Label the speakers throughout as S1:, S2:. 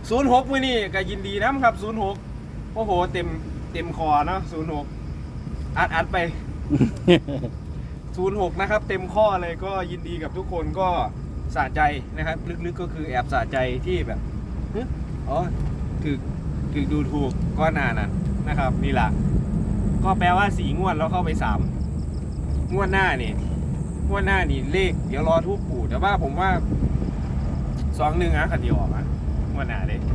S1: 06มื้อนี้ก็ยินดีนะครับ06โอ้โหเต็มคอเนาะ06อัดไป 06นะครับเต็มข้อเลยก็ยินดีกับทุกคนก็สะใจนะครับลึกๆก็คือแอบสะใจที่แบบอ๋อถึกดูถูกก็นานนั้นนะครับนี่แหละก็แปลว่า4 งวดแล้วเข้าไป3 งวดหน้านี่เลขเดี๋ยวรอทูบปู่แต่ว่าผมว่า21นะขันเดียวออกมางวดหน้าเลย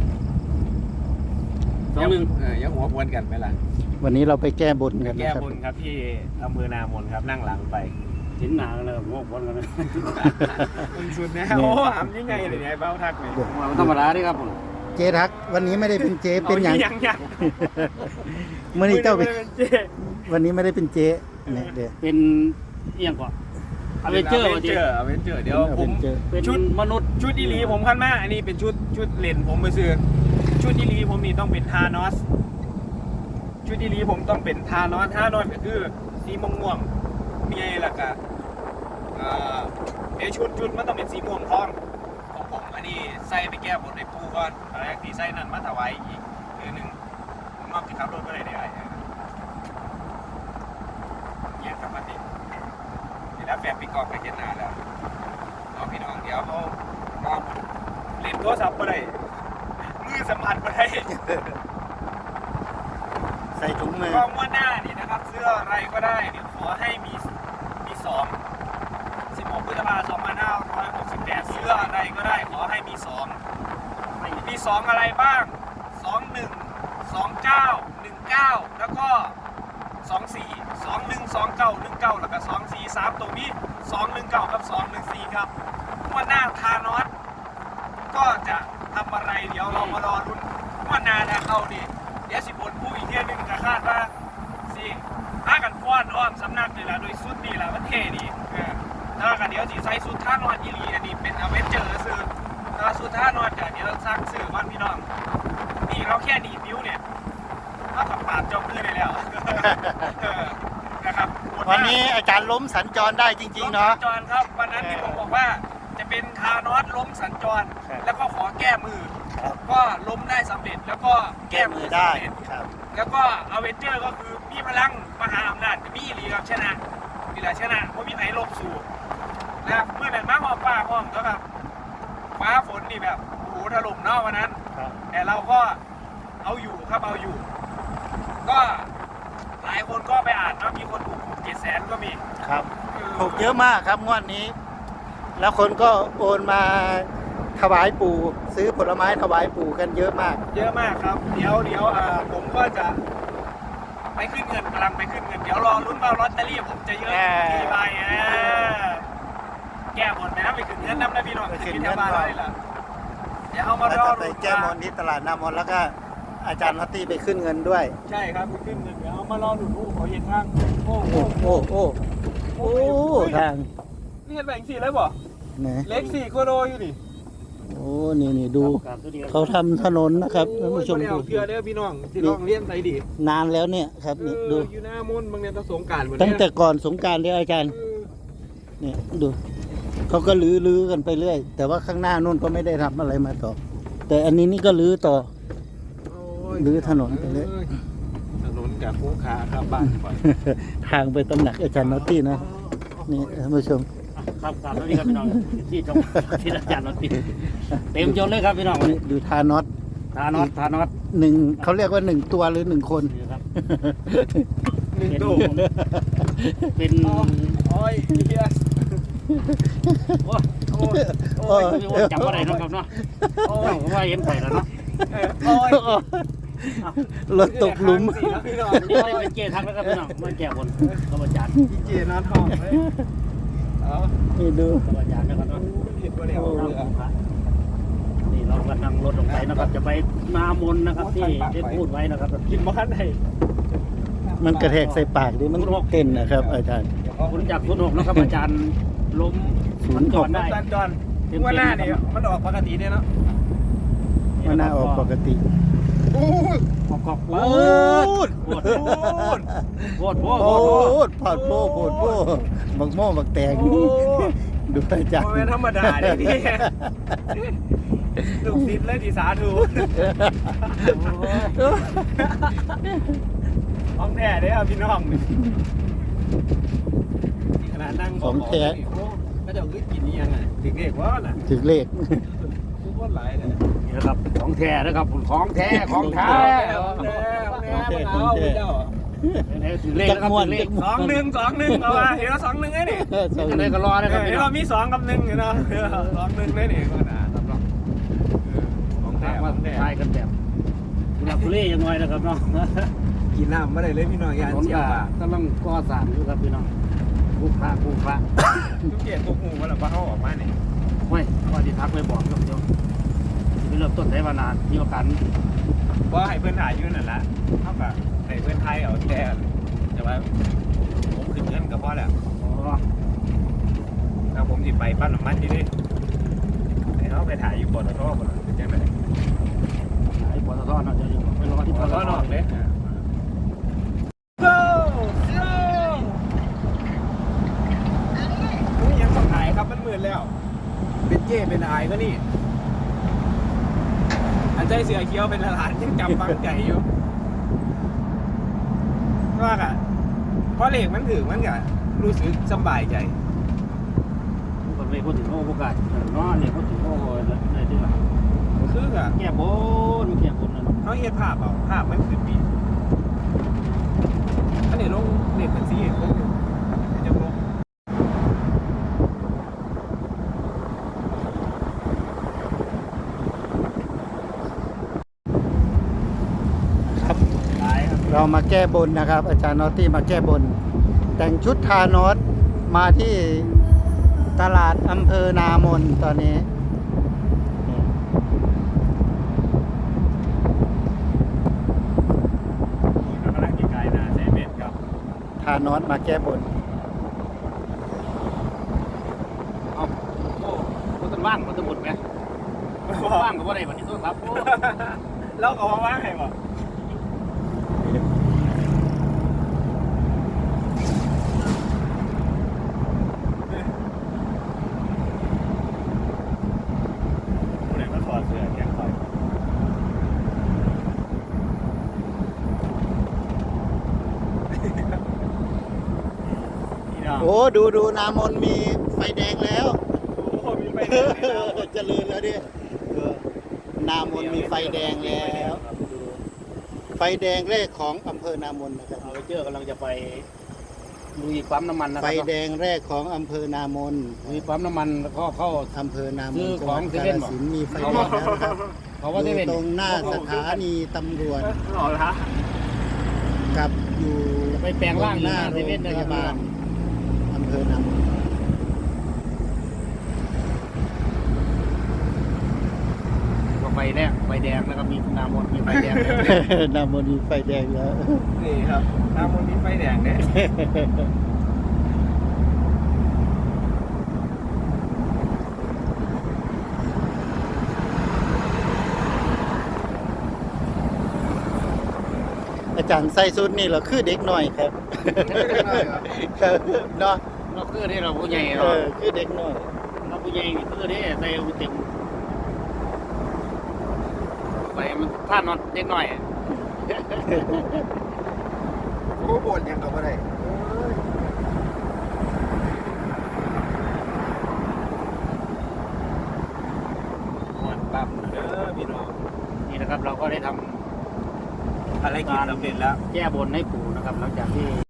S1: 21ยังหัวควนกันไหมล่ะ
S2: วันนี้เราไปแก้บนกัน
S1: แก้
S2: นะครับ
S1: บนครับที่อำเภอนามนครับนั่งหลังไป
S3: เห็นหนากันเลยงอกวนกันเลย
S1: มันสุดนะโอ้หามยังไงเลยเนี่ยเบ้าทักเลย
S3: ธรรมดาดิครับผม
S2: เจ๊ทักวันนี้ไม่ได้เป็นเจ๊เป็นอย่าง
S1: ยัง
S2: เมื่อนี้เจ้าเป็น
S1: เจ๊
S2: วันนี้ไม่ได้เป็นเจ๊เนี่ยเดี๋ยว
S3: เป็นเอียงก่อนอเวนเจอร์วันนี้
S1: อเวนเจอร์เดี๋ยวผม
S3: เป็น
S1: ชุด
S3: มนุษย์
S1: ชุดอีลีผมขั้นมากอันนี้เป็นชุดเลนผมไปซื้อชุดอีลีผมนี่ต้องเป็นทานอสชุดอีลีผมต้องเป็นทานอสก็คือสีม่วงมีอะไรล่ะกะชุดมันต้องเป็นสีม่วงทองของผมอันนี้ใส่ไปแก้บนในปูก่อนอะไรที่ใส่นั่นมาถวายอีกคือหนึ่งผมมอบที่ขับรถก็ได้เนี่ยครับมันนี่แล้วแฟนพี่กอบไปเห็นหน้าแล้วเอาพี่น้องเดี๋ยวเขาเล่นโทรศัพท์ไปได้มือสัมผัสไปได้
S2: ใส่ถุงมือ
S1: กล้องว่าหน้านี่นะครับเสื้ออะไรก็ได้เดี๋ยวขอให้มี2 16 พฤษภาคม 2568เสื้ออะไรก็ได้ขอให้มี2อะไรบ้าง21 29 19แล้วก็24 21 29 19แล้วก็24 3ตรงนี้219กับ214ครับว่าหน้าทานอสก็จะทำอะไรเดี๋ยวเรามารอลุ้นว่านาถ้าเข้าดีเดี๋ยว10 คนผู้อีกเที่ยนึงจะคาดว่าสิพากันฟ้อนอ้อมสำนักนี่แหละโดยสุดนี่แหละมันเท่ดีถ้ากันเดี๋ยวสิใส่สุดท่านอนอีหลีอันนี้เป็นอเวนเจอร์ซื้อถ้าสุดท่านอนกันเดี๋ยวซักซื้อวันพี่น้องนี่เราแค่ดีนิ้วเนี่ยถ้าขับปาดจมมือได้แล้วนะครับ
S2: วันนี้อาจารย์ล้มสัญจรได้จริงๆเนาะ
S1: ล้มสัญจรครับวันนั้นที่ผมบอกว่าจะเป็นทานอสล้มสัญจรแล้วก็ขอแก้มือก็ล้มได้สำเร็จแล้วก็แก้มือได้แล้วก็อเวนเจอร์ก็คือมีพลังมหาอำนาจมีอีหลีครับชนะนี่แหละชนะเพราะมีไผ่ลบสู่นะครับเมื่อนั้นมาหอบฟ้าห้องแล้วแบบฟ้าฝนนี่แบบโอ้โหถล่มเนาะวันนั้นแต่เราก็เอาอยู่ครับเอาอยู่ ก็หลายคนก็ไปอ่านเนาะมีคนถูก700,000ก็มี
S2: ครับถูกเยอะมากครับงวดนี้ แล้วคนก็โอนมาถวายปู่ซื้อผลไม้ถวายปู่กันเยอะมาก
S1: เยอะมากครับเดี๋ยวผมก็จะไปขึ้นเงินกำลังไปขึ้นเงินเดี๋ยวรอลุ้นว่าลอตเตอรี่ผมจะเยอะกี่ใบแก้บนไปนะไปขึ้นเงินน้ำนะพี่น้องขึ้นเงินมาได้ละเดี๋ยวเอามารอ
S2: ไปแก้มนที่ตลาดนามนแล้วก็อาจารย์นัตตี้ไปขึ้นเงินด้วย
S1: ใช่ครับไปขึ้นเงินเดี๋ยวเอามารอดูลูกเขาเห็นทางโอ้
S2: โอ้ทาง
S1: นี่เห็นแบ่ง4เลยบ่
S2: ไหน
S1: เล็ก4โคโดอยู่นี่
S2: โอ้นี่ดูเขาทำถนนนะครับท่านผู้ชมดู
S1: เพื่อเด้อพี่น้องที่ลองเลี้ยงใส่ดี
S2: นานแล้วเนี่ยครับนี่ดู
S1: อยู่หน้ามนต์บางเนี่ยต้องสงกรานต์
S2: ตั้งแต่ก่อนสงกรานต์เลยอาจารย์เนี่ยดูเขาก็ลื้อกันไปเรื่อยแต่ว่าข้างหน้านู่นก็ไม่ได้ทำอะไรมาต่อแต่อันนี้นี่ก็ลื้อต่อลื้อถนนไปเลย
S1: ถนนกับภูขาครับบ้านก่อน
S2: ทางไปตำหนักอาจารย์นัตตี้นะนี่ท่านผู้ชม
S3: ครับครับแล้วนี่ครับพี่น้องที่ตรงที่อาจารย์นอตติเต็มยศเลยครับพี่น้องวันนี้
S2: ดูทานอต
S3: ทานอต
S2: หนึ่งเขาเรียกว่า1 ตัวหรือ1 คน
S3: นี่ครับ
S1: 1 ตู้
S3: เป็น
S1: โอ้ยเฮีย
S3: โอ้ยจำอะไรน้องครับเนาะโอ้ยว่าเห็นไปแล้วเนาะ
S1: โอ้ย
S2: รถตกหลุม
S1: พี่น้อง
S3: นี่ไม่ได้เป็นเจทักแล้วครับพี่น้องมาแก้บนกับอาจารย์
S1: พี่เจนอนท้องเลย
S2: นี่ดู
S3: กับอาจารย์นะครับเนาะ
S1: เห็นว่าเดี๋ยว
S3: นี่เรากำลังรถลงไปนะครับจะไปนามนนะครับที่ได้พูดไว้นะครับ
S1: กินบ้านไหน
S2: มันกระแทกใส่ปากดิมันเต้นนะครับ อาจารย์
S3: คุณจากคุณหกนะครับอาจารย์ล้มมันจอดได้
S1: สัญจรว่าหน้านี่มันออกปกติเนี่ยเนาะ
S2: มันน่าออกปกติ
S3: ขอบ
S1: โอ้
S3: ดโคตร
S2: โพดบักโม่บักแตงดูอาจารย์
S1: โมเมนธรรมดาเลยนี่ลูกศิษย์เลยที่สาธุของแท้เด้อพี่น้องขนาดนั่ง
S2: ของแท้
S1: ก็จะขึ้นกินนี่ยังไงถึงเด็กว่าน่ะ
S2: ถึงเลข
S1: ทุกคนหลายเลย
S3: นี่นะครับของแท้นะครับของแท้ของแท้ ถือเลข
S2: จัก
S3: นะครับ
S2: ม่วน
S3: ถือเลข
S1: 2-1เอามาเห็นว่า2-1ไงนี่
S3: จะได้ก็รอนะครับ
S1: เห็นว่ามี2 กับ 1เนาะ2-1เลยนี่ก็น่ะสำหรับของแท้
S3: มาทายกันแบบกุหลาบกุเล่ยังไงนะครับเนาะ
S1: กินน้ำไม่ได้เลยพี่น้องยาน
S3: ถนน
S1: เสีย
S3: ก็
S1: บ
S3: กำลังก่อสร้างอยู่ครับพี่น้องผู้พระ
S1: ทุกเกียรติทุกหูว่าเราเขาออกมาเนี่ย
S3: ไม่ว่าที่ทักไปบอกครับเดี๋ยวที่เริ่มต้นใช้มานานมีโอกาส
S1: ว่าให้เพื่อนถ่ายอยู่นั่นแหละเท่ากับให้เพื่อนไทยเอาแต่แต่ว่าผมขึ้นเงินกับพ่อแหละ
S3: อ๋อ
S1: ถ้าผมติดไปปั้นน้ำมันที่นี่ให้เขาไปถ่ายอยู่บนท่อบนเป็นยังไง
S3: ไอ้ปตทเนาะเดี๋ยวนี้ไปรอที่
S1: บ
S3: ป
S1: น
S3: ต
S1: ท่อ
S3: ท
S1: นอกเลยgo go นี่ยังต้องถ่ายครับมันมืดแล้ว เป็นเจ้เป็นอายก็นี่ อันใจเสือเขียวเป็นหลานยังจำฟังใจอยู่ว่าอะเพราะเหล็กมันถือมันก็รู้สึกสบายใจ
S3: ผู้คนเลยพูดถึงโอกาสเนาะเนี่ยพูดถึงโอ้อะไรที่ว่า
S1: คืออะ
S3: แก้บนนะ
S1: เขาเห็นภาพเอาภาพมันคือปีอันนี้ลงเหล็กเป็นสีลงจะลง
S2: ครับ
S3: หลายครับ
S2: เรามาแก้บนนะครับ อาจารย์นอตตี้มาแก้บน แต่งชุดทานอสมาที่ตลาดอำเภอนามนตอนนี้
S1: กำลังกินไก่นะเซเว่นครับ
S2: ทานอสมาแก้บน
S3: เอาโอ้ก็ต้องว่างก็ต้องหมดไหมว่างก็ว่าได้วันนี้ต้องครับ
S1: แล้วก็ว่าไงบ่ผู้ใดก็ถอดเสื้อแกงคอยพี่น้อง
S2: โอ้ดูนามนมีไฟแดงแล้ว
S1: โอ้มีไฟแดงเลยนะ
S2: เจริญแล้วดินามนมีไฟแดงแล้ว ไฟแดงแรกของอำเภอนามนนะครับ
S3: เอาไปเจอกำลังจะไปลุยปั๊มน้ำมันนะค
S2: ไฟ
S3: รับ
S2: แดงแรกของอำเภอนามน
S3: ลุยปั๊มน้ำมันแล้วก็เข้า
S2: อำเภอนาม
S3: คื
S2: น
S3: อ
S2: จัง
S3: ข
S2: ห
S3: อ
S2: วั
S3: ง
S2: ด
S3: เซ
S2: กา
S3: เว่น
S2: ฬ
S3: เหรอ
S2: สินธุ์มีไฟแดงแล้วนะครับ
S3: เขาว่า
S2: อ
S3: เซเว่น
S2: ยู่ตรงหน้าสถานีตำรวจ
S1: หล่อละ
S2: กับอยู่
S3: ไปแปลงร่าง
S2: ห
S3: ห
S2: น้า
S3: น้า
S2: โร
S3: เซ
S2: ง
S3: เว่น
S2: พ
S3: นะครั
S2: ยา
S3: บบ
S2: าลอำเภอนามน
S3: ก็ไฟแรกไฟแดงแล้วก็มีน้ำมนต์มีไฟแดง
S2: นามนมีไฟแดงแล้ว
S1: นี่ครับน้ำมันมีไฟแดงเนี่ย
S2: อาจารย์ใส่ชุดนี่เหราคือเด็กหน่อยครับ ครับเนาะ
S3: เราคือที่เราผู้ใหญ่
S2: เอ
S3: เรา
S2: อคือเด็กหน่อย
S3: เราผู้ใหญ่นี่คือที่ใส่เต็มไปมันท่านนอนเด็กหน่อย
S1: โอ้บ่นยังกับอะไรบ่นปั๊บเด้อพี่น้อง
S3: นี่นะครับเราก็ได้ทำ
S1: อะไรกินสำเร็จแล้ว
S3: แก้บนให้ปู่นะครับหลังจากที่